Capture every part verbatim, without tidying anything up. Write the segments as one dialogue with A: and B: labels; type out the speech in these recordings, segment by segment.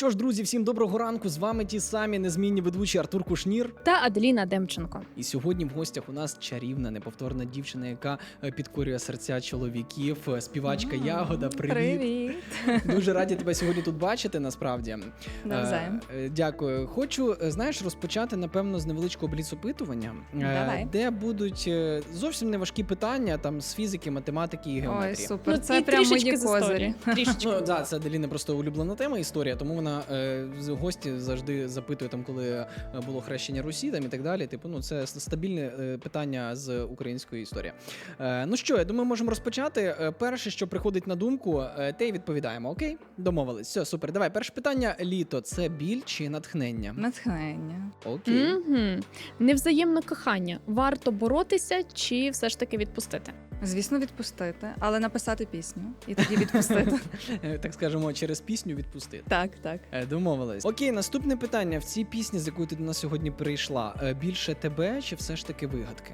A: Що ж, друзі, всім доброго ранку. З вами ті самі незмінні ведучі Артур Кушнір
B: та Аделіна Демченко.
A: І сьогодні в гостях у нас чарівна, неповторна дівчина, яка підкорює серця чоловіків, співачка mm-hmm. Ягода. Привіт.
B: Привіт.
A: Дуже раді тебе сьогодні тут бачити, насправді.
B: Навзаєм.
A: Дякую. Хочу, знаєш, розпочати, напевно, з невеличкого бліц-опитування,
B: Давай.
A: де будуть зовсім неважкі питання там з фізики, математики і геометрії.
B: Ой, супер. Ну, це прям мої козирі.
A: Трішечки. Ну, да, це Аделіна просто улюблена тема історія, тому вона е, гості завжди запитує, там, коли було хрещення Русі там, і так далі. Типу, ну, це стабільне е, питання з української історії. Е, ну що, я думаю, можемо розпочати. Е, перше, що приходить на думку, е, те й відповідаємо. Окей? Домовились. Все, супер. Давай, перше питання. Літо – це біль чи натхнення?
B: Натхнення.
A: Окей.
C: Mm-hmm. Невзаємне кохання. Варто боротися чи все ж таки відпустити?
B: Звісно, відпустити, але написати пісню і тоді відпустити.
A: Так скажемо, через пісню відпустити.
B: Так, так.
A: Домовились. Окей, наступне питання. В цій пісні, з якою ти до нас сьогодні прийшла, більше тебе чи все ж таки вигадки?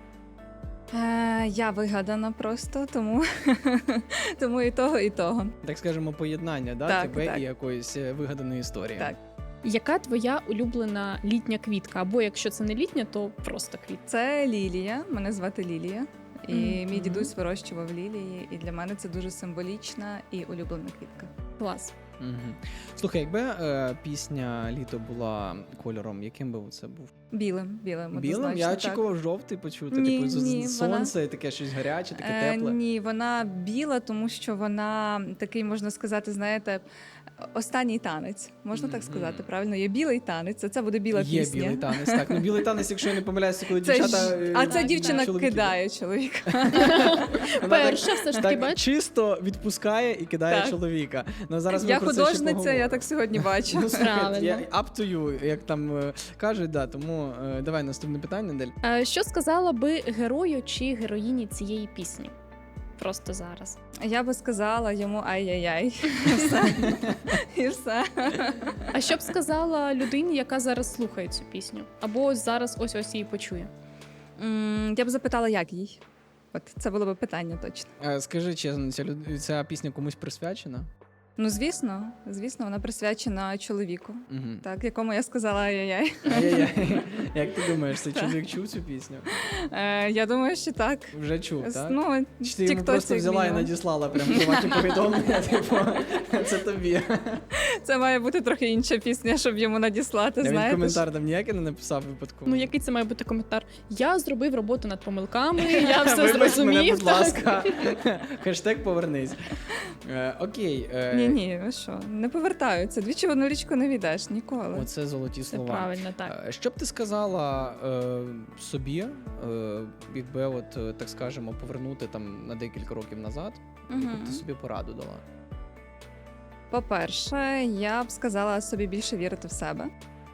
B: Е, я вигадана просто, тому, тому і того, і того.
A: Так скажемо, поєднання, да?
B: Так,
A: тебе
B: так.
A: і якоїсь вигаданої історії.
B: Так.
C: Яка твоя улюблена літня квітка? Або якщо це не літня, то просто квітка?
B: Це Лілія, мене звати Лілія. І
C: Mm-hmm.
B: мій дідусь вирощував лілії, і для мене це дуже символічна і улюблена квітка.
C: Клас.
A: Угу. Слухай, якби е, пісня «Літо» була кольором, яким би це був?
B: Білим, білим,
A: Білим? Я очікував жовтий почути,
B: ні,
A: типу
B: ні,
A: сонце,
B: вона...
A: таке щось гаряче, таке
B: е,
A: тепле.
B: Ні, вона біла, тому що вона такий, можна сказати, знаєте, останній танець. Можна mm-hmm. так сказати, правильно? Є білий танець, а це буде біла
A: Є
B: пісня.
A: Є білий танець, так. Ну, білий танець, якщо я не помиляюся, коли
B: це
A: дівчата...
B: Ж... А ця дівчина
A: чоловіки.
B: Кидає чоловіка.
C: Перша все ж таки, бачиш?
A: Чисто відпускає і кидає
B: так.
A: чоловіка. Ну, зараз
B: я художниця, я так сьогодні бачу.
A: Ну, я, up to you, як там е, кажуть, да, тому е, давай наступне питання, Дель.
C: А що сказала би герою чи героїні цієї пісні? Просто зараз.
B: Я би сказала йому ай-яй-яй. І все. І все.
C: А що б сказала людині, яка зараз слухає цю пісню? Або ось зараз ось-ось її почує?
B: Mm, я б запитала, як їй. От це було б питання точно.
A: А, скажи чесно, ця, люд... ця пісня комусь присвячена?
B: Ну, звісно, звісно, вона присвячена чоловіку,
A: угу.
B: так, якому я сказала ай-яй-яй.
A: Ай-яй-яй. Як ти думаєш, цей чоловік чув цю пісню?
B: Е, я думаю, що так.
A: Вже чув, так?
B: Ну,
A: чи ти йому просто взяла і надіслала прям приватні повідомлення, типу, це тобі.
B: Це має бути трохи інша пісня, щоб йому надіслати,
A: я
B: знаєте.
A: Він коментар там ніякий не написав випадково.
C: Ну, який це має бути коментар? Я зробив роботу над помилками, я все
A: Вибач
C: зрозумів.
A: мене, будь ласка. Хештег повернись. Е, окей. Е...
B: Ні-ні, ви що, не повертаються. Двічі в одну річку не війдеш, ніколи.
A: Оце золоті
C: Це
A: слова.
C: правильно, так.
A: Що б ти сказала е, собі, е, якби, от, е, так скажемо, повернути там на декілька років назад,
B: Угу.
A: яку б ти собі пораду дала?
B: По-перше, я б сказала собі більше вірити в себе.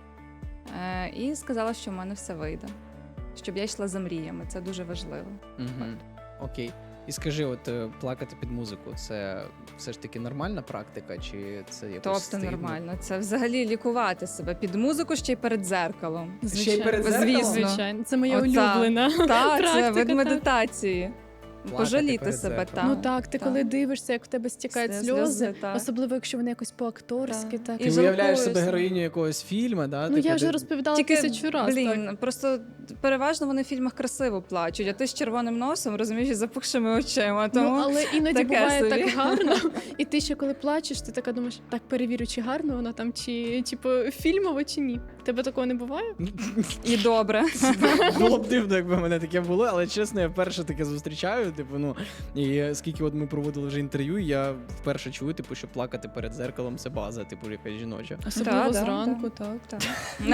B: Е, і сказала, що в мене все вийде. Щоб я йшла за мріями, це дуже важливо.
A: Угу. Окей. І скажи, от плакати під музику, це все ж таки нормальна практика, чи це якось
B: Тобто
A: стильно?
B: нормально. Це взагалі лікувати себе під музику ще й перед дзеркалом.
A: Ще й перед зеркалом?
B: Звісно.
C: Звичайно, це моя
B: Ота.
C: улюблена
B: Так,
C: практика.
B: це вид
C: так.
B: медитації.
A: Плакати
B: Пожаліти
A: перед
B: себе,
A: зеркалом.
B: так.
C: Ну так, ти
B: так.
C: коли дивишся, як в тебе стікають
B: Сльози,
C: сльози,
B: так.
C: особливо якщо вони якось по-акторськи.
B: Так.
C: Так.
B: І
A: Ти
B: жалкуєш.
A: уявляєш себе героїню якогось фільму, да?
C: Ну
A: типу,
C: я вже
A: де-
C: розповідала
B: Тільки,
C: тисячу разів.
B: блін, просто переважно вони в фільмах красиво плачуть, а ти з червоним носом, розумієш, і запухшими очима. Тому...
C: Ну, але іноді
B: таке
C: буває
B: собі.
C: так гарно, і ти ще коли плачеш, ти така думаєш, так перевірю, чи гарно воно там, чи типу фільмово, чи ні. Тебе такого не буває?
B: І добре.
A: Було б дивно, якби в мене таке було, але чесно, я вперше таке зустрічаю. Типу, ну і скільки от ми проводили вже інтерв'ю, я вперше чую, типу, що плакати перед зеркалом це база, типу, якась жіноча.
C: Особливо
B: Да, да,
C: зранку, так.
B: Так.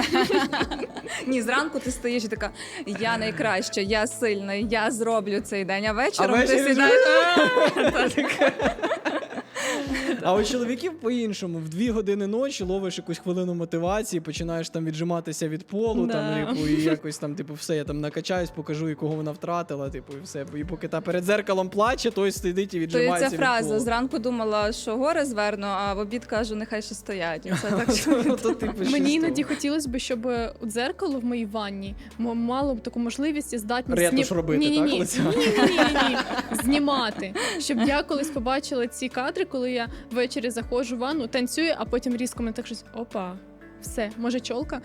B: Ні, зранку ти стоїш і така, я найкраща, я сильна, я зроблю цей день, а вечором
A: А
B: ти
A: ввечері
B: сідаєш.
A: А у чоловіків по-іншому. В дві години ночі ловиш якусь хвилину мотивації, починаєш там віджиматися від полу,
C: Да.
A: там, типу, і якось там, типу, все, я там накачаюсь, покажу, якого вона втратила, типу, і все. І поки та перед зеркалом плаче, той сидить і
B: То є
A: віджимається
B: ця
A: від
B: фраза,
A: полу.
B: зранку думала, що гори зверну, а в обід кажу, нехай ще стоять. І це так, що...
A: То, типу, щось
C: Мені
A: того.
C: іноді хотілося б, щоб дзеркало в моїй ванні м- мало б таку можливість і здатність
A: Ретуш робити,
C: Ні-ні-ні.
A: так, лиця?
C: Ні-ні-ні. Знімати. Щоб я колись побачила ці кадри, коли я ввечері заходжу в ванну, танцюю, а потім різко мене так щось опа. Все, може чолка,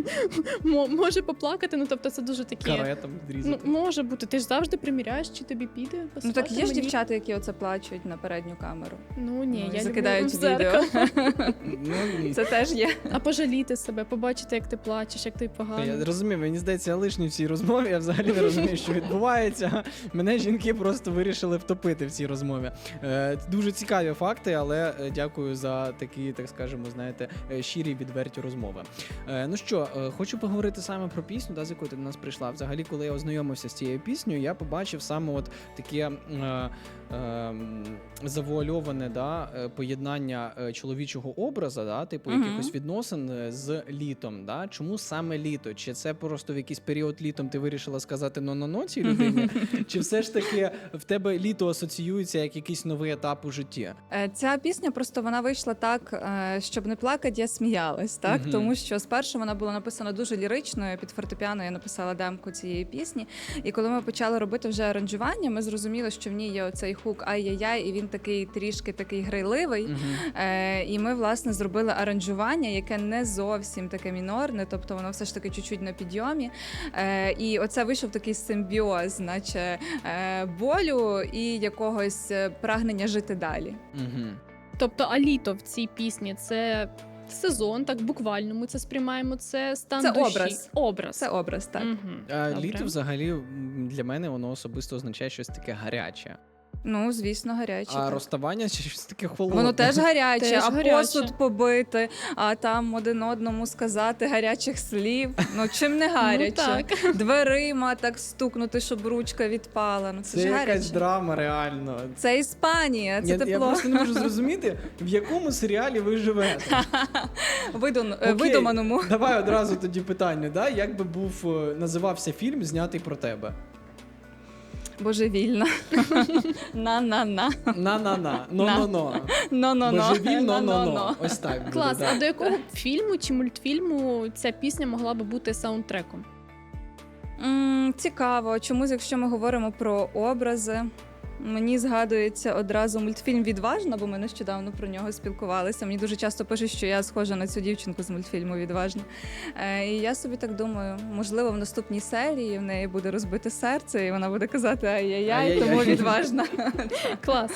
C: Мо- може поплакати, ну тобто це дуже такі.
A: Каретом
C: Ну,
A: відрізати.
C: може бути, ти ж завжди приміряєш, чи тобі піде.
B: Ну так є ж
C: пасувати мені?
B: дівчата, які оце плачуть на передню камеру.
C: Ну ні,
B: Ну, і
C: я
B: закидають
C: люблю в
B: відео.
C: зеркало.
A: Ну, ні.
B: Це теж є.
C: А пожаліти себе, побачити, як ти плачеш, як тобі
A: Я
C: погано.
A: розумію, мені здається, я лишній в цій розмові, я взагалі не розумію, що відбувається. Мене жінки просто вирішили втопити в цій розмові. Е, Дуже цікаві факти, але е, дякую за такі, так скажемо, знаєте, е, щирі, відверті розмови. Е, Ну що, е, хочу поговорити саме про пісню, да, з якою ти до нас прийшла. Взагалі, коли я ознайомився з цією піснею, я побачив саме от таке е, е, завуальоване, да, е, поєднання е, чоловічого образа, да, типу
B: Мгм.
A: якихось відносин е, з літом. Да? Чому саме літо? Чи це просто в якийсь період літом ти вирішила сказати «но-но-но» цій людині? Чи все ж таки в тебе літо асоціюється як якийсь новий етап у житті?
B: Е, Ця пісня просто вона вийшла так, е, щоб не плакати, я сміялась, так?
A: Мгм.
B: Тому що спершу вона була написана дуже ліричною, під фортепіано я написала демку цієї пісні. І коли ми почали робити вже аранжування, ми зрозуміли, що в ній є оцей хук ай-яй-яй, і він такий трішки такий грайливий.
A: Мгм.
B: Е, і ми, власне, зробили аранжування, яке не зовсім таке мінорне, тобто воно все ж таки чуть-чуть на підйомі. Е, і оце вийшов такий симбіоз, наче е, болю і якогось е, прагнення жити далі.
A: Мгм.
C: Тобто, а літо в цій пісні це сезон, так буквально ми це сприймаємо. Це стан
B: Це
C: душі.
B: образ.
C: Образ.
B: Це образ, так.
C: Мгм.
A: А
C: Добре.
A: літо взагалі м, для мене воно особисто означає щось таке гаряче.
B: Ну, звісно, гаряче.
A: А
B: так.
A: розставання чи щось таке холодне?
B: Воно теж гаряче,
C: Теж
B: а
C: гаряче.
B: посуд побити, а там один одному сказати гарячих слів. Ну чим не гаряче?
C: Ну, так.
B: Дверима так стукнути, щоб ручка відпала. Ну це,
A: Це
B: ж
A: якась
B: гаряче.
A: драма, реально.
B: Це Іспанія, це
A: я,
B: тепло.
A: я просто не можу зрозуміти, в якому серіалі ви живете.
B: Видун...
A: Окей,
B: Видуманому.
A: Давай одразу тоді питання, да? Як би був е, називався фільм, знятий про тебе?
B: Божевільна. На-на-на.
A: На-на-на, но-но-но.
B: Но-но-но.
A: Божевільно, но-но-но.
B: Но-но-но.
A: Ось так буде,
C: Клас.
A: да.
C: А до якого фільму чи мультфільму ця пісня могла би бути саундтреком?
B: М, Цікаво. Чомусь, якщо ми говоримо про образи, мені згадується одразу мультфільм «Відважна», бо ми нещодавно про нього спілкувалися. Мені дуже часто пишуть, що я схожа на цю дівчинку з мультфільму «Відважна». Е, І я собі так думаю, можливо, в наступній серії в неї буде розбите серце, і вона буде казати «ай-яй-яй»,
A: Ай-яй-яй.
B: тому «Відважна».
C: Клас.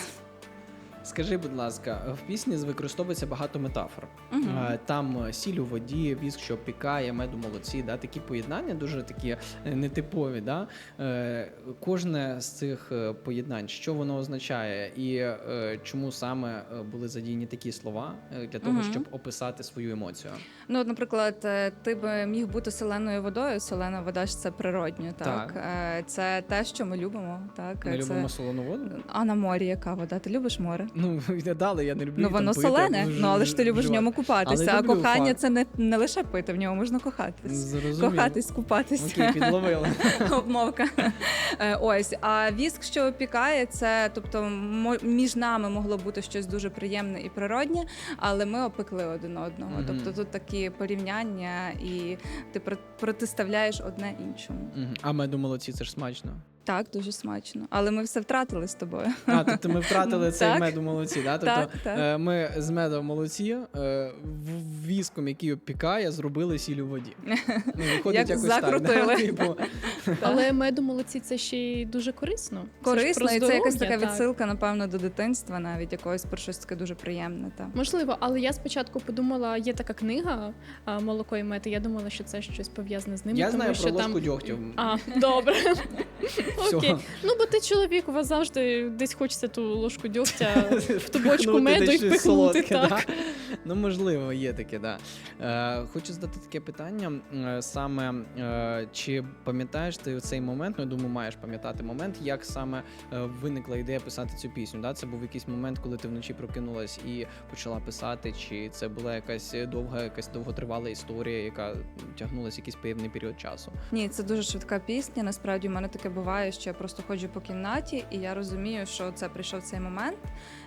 A: Скажи, будь ласка, в пісні використовується багато метафор.
B: Мгм.
A: Е, Там е, сіль у воді, віск, що пікає, мед у молоці, да? Такі поєднання дуже такі е, нетипові. Да? Е, Кожне з цих е, поєднань, що воно означає, і е, чому саме е, були задіяні такі слова е, для того,
B: Мгм.
A: щоб описати свою емоцію?
B: Ну, от, наприклад, е, ти би міг бути соленою водою. Солена вода ж це природньо, так?
A: Так.
B: Е, Це те, що ми любимо. Так?
A: Ми
B: Це...
A: любимо солону воду?
B: А на морі яка вода? Ти любиш море?
A: Ну, не дали, я не люблю.
B: Ну
A: там
B: воно
A: пити,
B: солене,
A: або
B: ну але ж ти любиш в
A: вживати.
B: ньому купатися.
A: Але
B: А
A: люблю,
B: кохання
A: факт.
B: це не, не лише пити, в ньому можна кохатись.
A: Зрозумів.
B: Кохатись, купатись.
A: Окей, підловила.
B: Обмовка. Е, Ось. А віск, що опікає, це тобто мо- між нами могло бути щось дуже приємне і природнє, але ми опекли один одного.
A: Мгм.
B: Тобто тут такі порівняння, і ти про- протиставляєш одне іншому.
A: Мгм. А мед у молоці, це ж смачно.
B: Так, дуже смачно. Але ми все втратили з тобою.
A: А, тобто ми втратили цей
B: Так.
A: мед у молоці, да? Тобто
B: Так, так.
A: е, ми з медом в молоці е, в- віском, який опікає, зробили сіль у воді. Ну, виходить
B: Як
A: якось
B: закрутили.
A: так. Да? Типу,
C: Але меду молоці це ще й дуже корисно. Це ж
B: Корисно,
C: про
B: і це якась
C: здоров'я,
B: така
C: так.
B: відсилка, напевно, до дитинства, навіть якогось про щось таке дуже приємне. Та.
C: Можливо, але я спочатку подумала, є така книга а, «Молоко і мед», і я думала, що це щось пов'язане з ним.
A: я
C: тому
A: знаю
C: що
A: про ложку
C: там...
A: дьогтю.
C: А, добре.
A: Всього.
C: Окей. Ну, бо ти чоловік, у вас завжди десь хочеться ту ложку дьогтя в ту бочку
A: Впихнути
C: меду і
A: десь щось
C: впихнути.
A: солодке,
C: Так.
A: да? Ну, можливо, є таке, да. Е, хочу задати таке питання. е, Саме, е, чи пам'ятаєш ти цей момент, ну, я думаю, маєш пам'ятати момент, як саме е, виникла ідея писати цю пісню, да? Це був якийсь момент, коли ти вночі прокинулась і почала писати, чи це була якась довга, якась довготривала історія, яка тягнулася якийсь певний період часу?
B: Ні, це дуже швидка пісня. Насправді, в мене таке буває, що я просто ходжу по кімнаті, і я розумію, що це прийшов цей момент.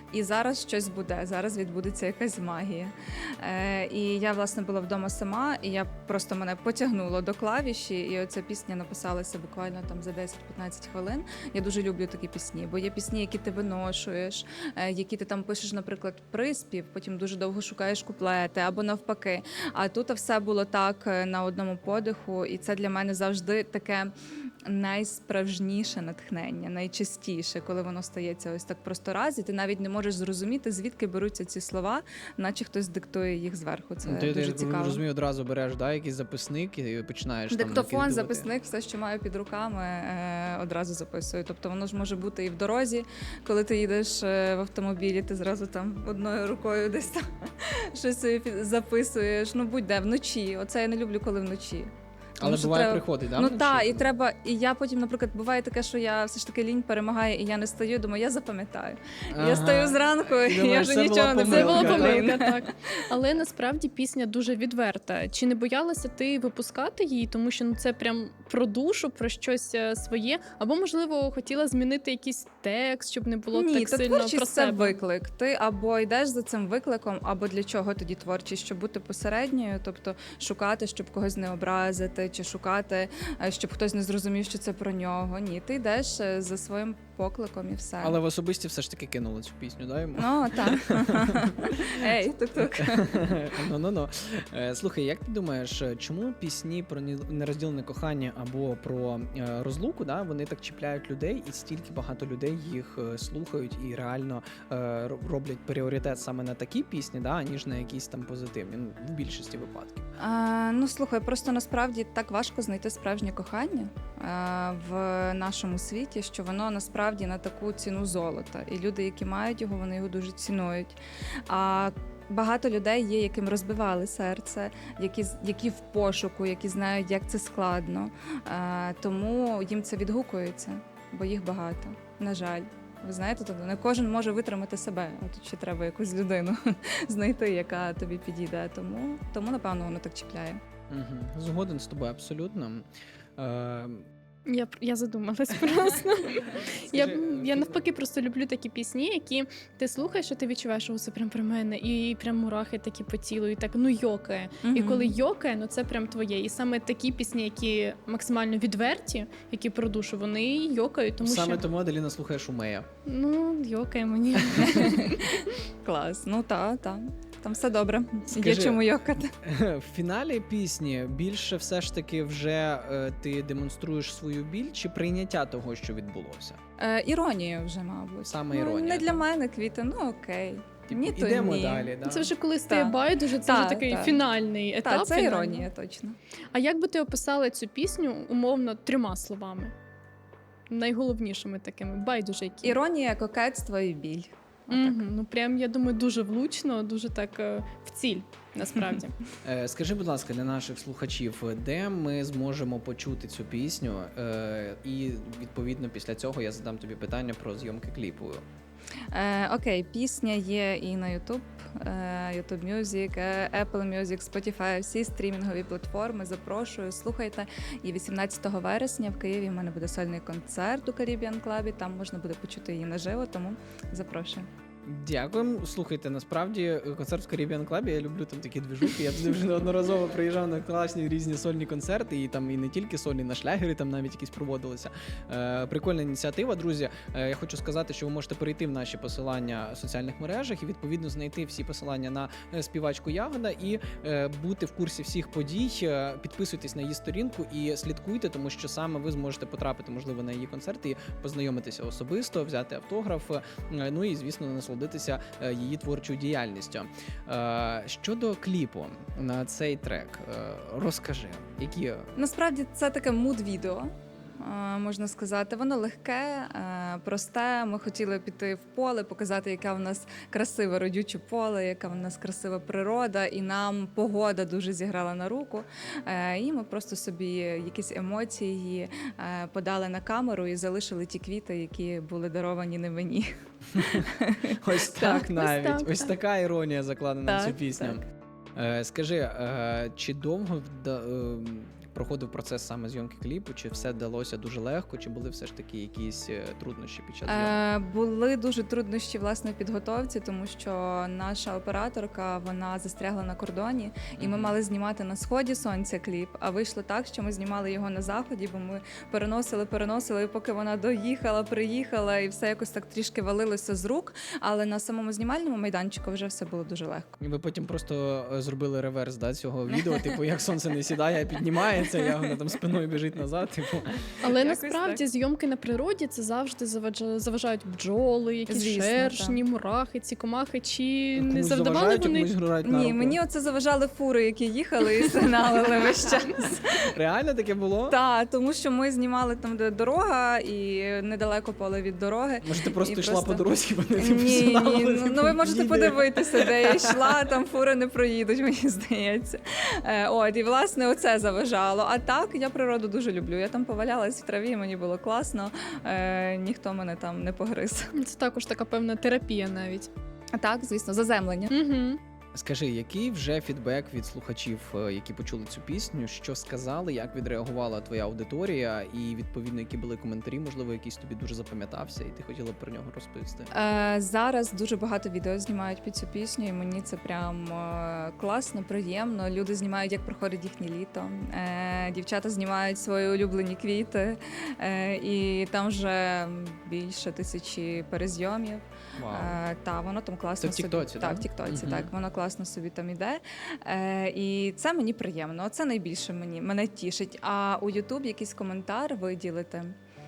B: І зараз щось буде, зараз відбудеться якась магія. Е, і я, власне, була вдома сама, і я просто мене потягнуло до клавіші, і оця пісня написалася буквально там за десять-п'ятнадцять хвилин. Я дуже люблю такі пісні, бо є пісні, які ти виношуєш, е, які ти там пишеш, наприклад, приспів, потім дуже довго шукаєш куплети, або навпаки. А тут все було так е, на одному подиху, і це для мене завжди таке найсправжніше натхнення, найчастіше, коли воно стається ось так просто раз, і ти навіть не можеш зрозуміти, звідки беруться ці слова, наче хтось диктує їх зверху. Це
A: ти,
B: дуже
A: ти,
B: цікаво.
A: розумію, одразу береш да, якийсь записник і починаєш там
B: Диктофон,
A: накидувати.
B: записник, все, що маю під руками, е, одразу записую. Тобто воно ж може бути і в дорозі, коли ти їдеш е, в автомобілі, ти зразу там одною рукою десь там щось собі під- записуєш. Ну будь-де, вночі. Оце я не люблю, коли вночі. Тому
A: Але
B: що
A: буває
B: треба-
A: приходить, да?
B: Ну
A: вночі?
B: так, і треба. І я потім, наприклад, буває таке, що я все ж таки лінь перемагає, і я не стою. Думаю, я запам'ятаю.
A: Ага.
B: Я стою зранку, і я
A: думаєш,
B: вже
A: це
B: нічого
A: була
B: не
C: Це була
A: Помилка,
C: помилка, так. Але насправді пісня дуже відверта. Чи не боялася ти випускати її, тому що ну це прям про душу, про щось е, своє, або можливо хотіла змінити якийсь текст, щоб не було
B: Ні,
C: так
B: та
C: сильно
B: творчість
C: про
B: це
C: себе.
B: виклик. Ти або йдеш за цим викликом, або для чого тоді творчість, щоб бути посередньою, тобто шукати, щоб когось не образити, чи шукати, е, щоб хтось не зрозумів, що це про нього. Ні, ти йдеш е, за своїм покликом і все.
A: Але в особисті все ж таки кинули цю пісню, да, йому?
B: Ну так. Ей, тук-тук.
A: Ну-ну-ну. Е, Слухай, як ти думаєш, чому пісні про ні- нерозділене кохання або про е, розлуку, да, вони так чіпляють людей, і стільки багато людей їх е, слухають і реально е, ро- роблять пріоритет саме на такі пісні, да, аніж на якісь там позитивні, ну, в більшості випадків.
B: А, ну слухай, просто насправді так важко знайти справжнє кохання а, в нашому світі, що воно насправді на таку ціну золота. І люди, які мають його, вони його дуже цінують. А багато людей є, яким розбивали серце, які, з- які в пошуку, які знають, як це складно. А, тому їм це відгукується, бо їх багато. На жаль. Ви знаєте, тобто не кожен може витримати себе, а тут ще треба якусь людину знайти, яка тобі підійде. Тому, тому напевно, воно так чіпляє.
A: Угу. Згоден з тобою абсолютно. Е,
C: Я, я задумалась просто. я,
A: Скажи,
C: я
A: е,
C: навпаки просто люблю такі пісні, які ти слухаєш, і ти відчуваєш, що це прям про мене, і прям мурахи такі по тілу, і так ну йокає. І
B: Мгм.
C: коли йокає, ну це прям твоє. І саме такі пісні, які максимально відверті, які про душу, вони йокають, тому
A: Саме
C: що
A: тому Аделіна слухає Шумея.
C: ну йокає мені.
B: Клас. Ну так, так. Там все добре. Є
A: Скажи,
B: чому йокати.
A: В фіналі пісні більше все ж таки вже е, ти демонструєш свою біль чи прийняття того, що відбулося?
B: Е, іронія вже, мабуть.
A: Саме
B: Ну,
A: іронія,
B: не для
A: так?
B: мене квіти, ну окей.
A: Типу,
B: Ні, то
A: ідемо
B: ні.
A: далі, да?
C: Це вже коли стає
B: Так.
C: байдуже, це
B: Так,
C: вже такий
B: так.
C: фінальний етап.
B: Так, це
C: фінальний.
B: іронія, точно.
C: А як би ти описала цю пісню умовно трьома словами? Найголовнішими такими, байдуже які.
B: Іронія, кокетство і біль. Отак.
C: Угу, ну прям я думаю, дуже влучно, дуже так е, в ціль, насправді.
A: Е, Скажи, будь ласка, для наших слухачів, де ми зможемо почути цю пісню? Е, І відповідно після цього я задам тобі питання про зйомки кліпу.
B: Е, окей, пісня є і на YouTube, е, YouTube Music, е, Apple Music, Spotify, всі стрімінгові платформи. Запрошую, слухайте. І вісімнадцятого вересня в Києві в мене буде сольний концерт у Caribbean Club. Там можна буде почути її наживо, тому запрошую.
A: Дякуємо. Слухайте, насправді концерт в Caribbean Club, я люблю там такі движухи. Я туди вже неодноразово приїжджав на класні різні сольні концерти, і там і не тільки сольні, на шлягери там навіть якісь проводилися. Е, прикольна ініціатива, друзі. Е, я хочу сказати, що ви можете перейти в наші посилання в соціальних мережах і відповідно знайти всі посилання на е, співачку Ягода і е, бути в курсі всіх подій. Е, підписуйтесь на її сторінку і слідкуйте, тому що саме ви зможете потрапити, можливо, на її концерт і познайомитися особисто, взяти автограф. Е, ну і, звісно, насолодитися е, її творчою діяльністю. Е, щодо кліпу на цей трек, е, розкажи, які
B: Насправді це таке муд-відео, е, можна сказати. Воно легке, е, просте. Ми хотіли піти в поле, показати, яке в нас красиве родюче поле, яка в нас красива природа, і нам погода дуже зіграла на руку. Е, І ми просто собі якісь емоції е, подали на камеру і залишили ті квіти, які були даровані не мені.
A: ось так
C: ось
A: навіть,
C: так,
A: ось
C: так.
A: така іронія закладена в цю
B: Так,
A: пісню.
B: так.
A: Е, Скажи, е, чи довго вда- е, проходив процес саме зйомки кліпу? Чи все вдалося дуже легко, чи були все ж таки якісь е, труднощі під час зйомки?
B: Е, були дуже труднощі власне в підготовці, тому що наша операторка вона застрягла на кордоні, і ми
A: Мгм.
B: мали знімати на сході сонця кліп. А вийшло так, що ми знімали його на заході, бо ми переносили, переносили, і поки вона доїхала, приїхала, і все якось так трішки валилося з рук. Але на самому знімальному майданчику вже все було дуже легко.
A: І ви потім просто е, зробили реверс, да, цього відео, типу, як сонце не сідає, а піднімається, як вона там спиною біжить назад. Типу.
C: Але
B: Якось
C: насправді
B: так.
C: зйомки на природі це завжди заважа- заважають бджоли, якісь
B: Звісно,
C: шершні, мурахи, ці комахи. Чи не
A: Комусь
C: завдавали
A: заважають, а
C: вони?
A: комусь грають на
B: Ні,
A: руку.
B: мені оце заважали фури, які їхали і сигналили весь час.
A: Реально таке було?
B: Так, тому що ми знімали там, де дорога, і недалеко поле від дороги.
A: Може, ти просто
B: І
A: йшла
B: просто-
A: по дорозі, вони типу
B: Ні,
A: сигналили,
B: ні, ну,
A: типу,
B: ну ви можете
A: їде.
B: подивитися, де я йшла, там фури не проїдуть, мені здається. Е, от, і власне оце заважало. А так, я природу дуже люблю. Я там повалялась в траві, мені було класно, е, ніхто мене там не погриз.
C: Це також така певна терапія навіть.
B: А так, звісно, заземлення.
C: Угу.
A: Скажи, який вже фідбек від слухачів, е, які почули цю пісню, що сказали, як відреагувала твоя аудиторія, і відповідно, які були коментарі, можливо, якийсь тобі дуже запам'ятався, і ти хотіла б про нього розповісти?
B: Е, зараз дуже багато відео знімають під цю пісню, і мені це прям е, класно, приємно. Люди знімають, як проходить їхнє літо. Е, дівчата знімають свої улюблені квіти, е, і там вже більше тисячі перезйомів.
A: Вау.
B: Е, та воно там класно
A: Це в Тіктоці,
B: собі.
A: да?
B: Так, в Тіктоці,
A: Мгм.
B: так воно класно собі там іде. Е, і це мені приємно. Це найбільше мені мене тішить. А у Ютуб якийсь коментар виділити.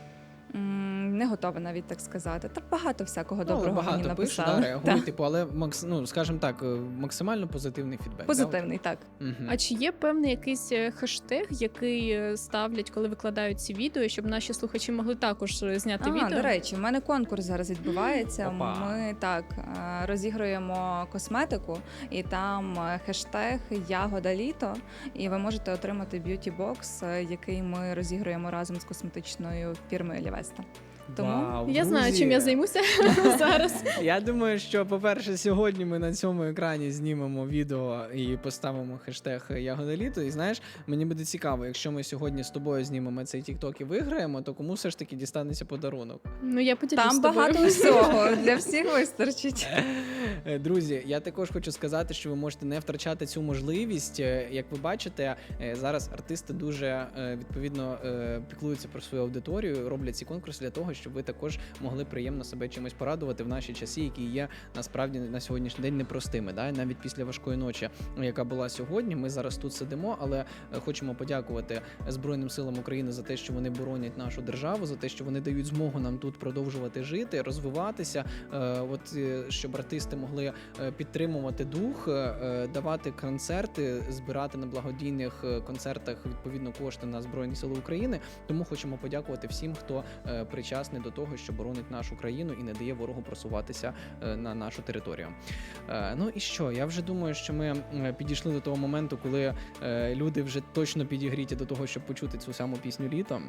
B: м, Не готова навіть так сказати. Та багато всякого
A: Ну, але
B: доброго
A: багато
B: мені
A: пишуть,
B: написали.
A: да, реагують,
B: Так.
A: типу, але макс, ну, скажімо так, е, максимально позитивний фідбек.
B: Позитивний, так.
A: Да? Мгм.
C: А чи є певний якийсь е, хештег, який е, ставлять, коли викладають ці відео, щоб наші слухачі могли також е, зняти
B: А,
C: відео?
B: до речі, в мене конкурс зараз відбувається.
A: Опа.
B: Ми так е, розігруємо косметику, і там е, хештег Ягода літо. І ви можете отримати б'юті-бокс, е, який ми розігруємо разом з косметичною фірмою Лівеста. Тому
A: Вау,
C: Я знаю,
A: друзі.
C: чим я займуся зараз.
A: Я думаю, що, по-перше, сьогодні ми на цьому екрані знімемо відео і поставимо хештег Ягода літо. І знаєш, мені буде цікаво, якщо ми сьогодні з тобою знімемо цей тікток і виграємо, то кому все ж таки дістанеться подарунок?
C: Ну я поділюсь
B: там
C: з тобою.
B: багато всього для всіх вистачить.
A: Е, Друзі, я також хочу сказати, що ви можете не втрачати цю можливість. Е, Як ви бачите, е, зараз артисти дуже е, відповідно е, піклуються про свою аудиторію, роблять ці конкурси для того, щоб ви також могли приємно себе чимось порадувати в наші часи, які є насправді на сьогоднішній день непростими. Да? Навіть після важкої ночі, яка була сьогодні, ми зараз тут сидимо, але е, хочемо подякувати Збройним силам України за те, що вони боронять нашу державу, за те, що вони дають змогу нам тут продовжувати жити, розвиватися. Е, От е, щоб артисти могли е, підтримувати дух, е, давати концерти, збирати на благодійних е, концертах відповідно кошти на Збройні Сили України. Тому хочемо подякувати всім, хто е, причасний до того, що боронить нашу країну і не дає ворогу просуватися е, на нашу територію. Е, Ну і що? Я вже думаю, що ми е, підійшли до того моменту, коли е, люди вже точно підігріті до того, щоб почути цю саму пісню літом.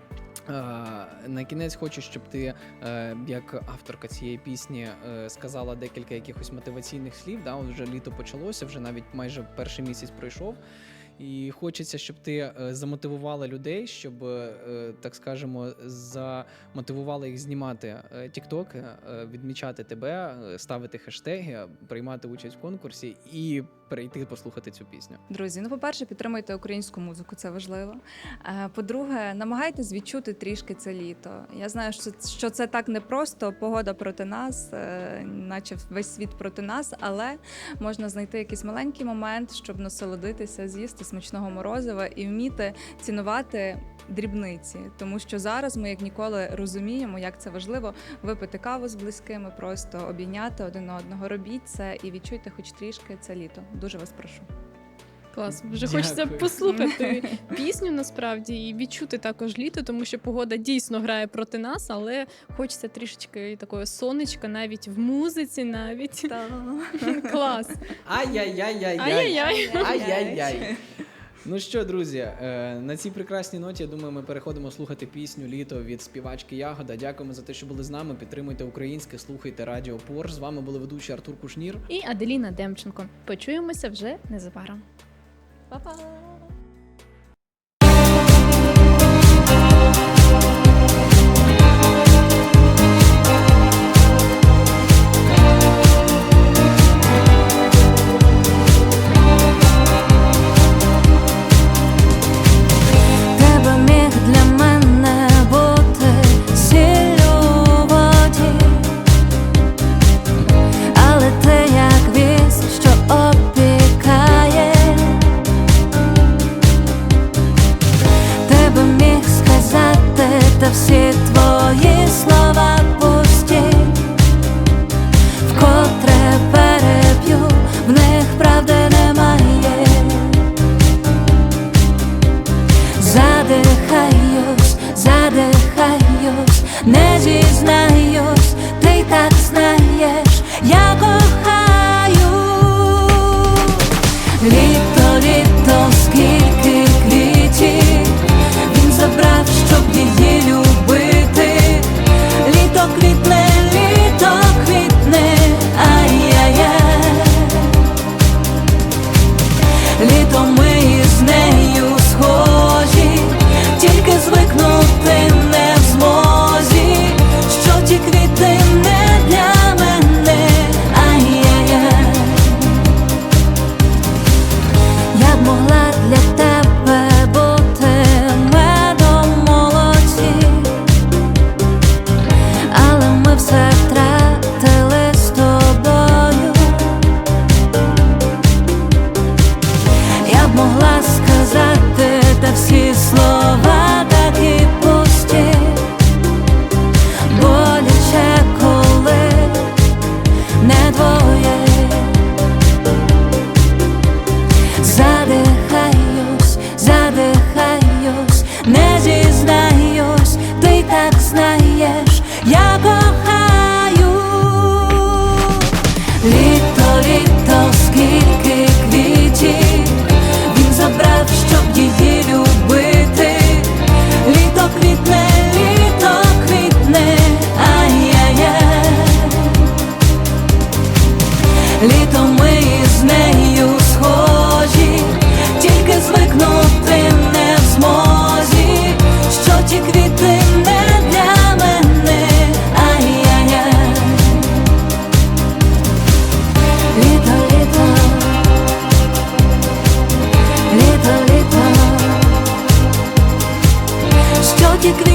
A: Е, На кінець хочу, щоб ти, е, як авторка цієї пісні, е, сказала декілька якихось мотиваційних слів. Да? От вже літо почалося, вже навіть майже перший місяць пройшов. І хочеться, щоб ти е, замотивувала людей, щоб, е, так скажемо, замотивувала їх знімати е, тіктоки, е, відмічати тебе, е, ставити хештеги, приймати участь в конкурсі і перейти послухати цю пісню.
B: Друзі, ну по-перше, підтримуйте українську музику, це важливо. Е, По-друге, намагайтесь відчути трішки це літо. Я знаю, що це, що це так непросто, погода проти нас, е, наче весь світ проти нас, але можна знайти якийсь маленький момент, щоб насолодитися, з'їсти смачного морозива і вміти цінувати дрібниці. Тому що зараз ми як ніколи розуміємо, як це важливо випити каву з близькими, просто обійняти один одного. Робіть це і відчуйте хоч трішки це літо. Дуже вас прошу.
C: Клас, вже
A: Дякую.
C: хочеться послухати пісню насправді і відчути також літо, тому що погода дійсно грає проти нас, але хочеться трішечки такого сонечка, навіть в музиці, навіть. Клас.
A: Ай-яй-яй-яй-яй!
C: Ай-яй-яй.
A: Ай-яй-яй! Ну що, друзі, е, на цій прекрасній ноті, я думаю, ми переходимо слухати пісню «Літо» від співачки Ягода. Дякуємо за те, що були з нами. Підтримуйте українське, слухайте Радіо Порш. З вами були ведучі Артур Кушнір.
C: І Аделіна Демченко. Почуємося вже незабаром.
B: Па-па!
D: Літо, літо, скільки квітів він забрав, щоб її любити. Літо квітне, літо квітне, ай-яй-яй. Літо ми із нею схожі, тільки звикнути не в змозі, що ті квіти не для мене, ай-яй-яй. Я б могла для тебе бути медом молоді, але ми все втратили з тобою. Я б могла сказати, та всі слова такі пусті, боляче, коли не двоє. Задихаюсь, задихаюсь, не зізнаюсь, ти так знаєш, я кохаю. Літо, літо, скільки квітів він забрав, щоб її любити. Літо квітне, літо квітне, ай-яй-яй. Літо ми із нею схожі, тільки звикнути не в змозі, що ті квіти не для мене, ай-яй-яй. Літо, літо, літо, літо, що ті квіти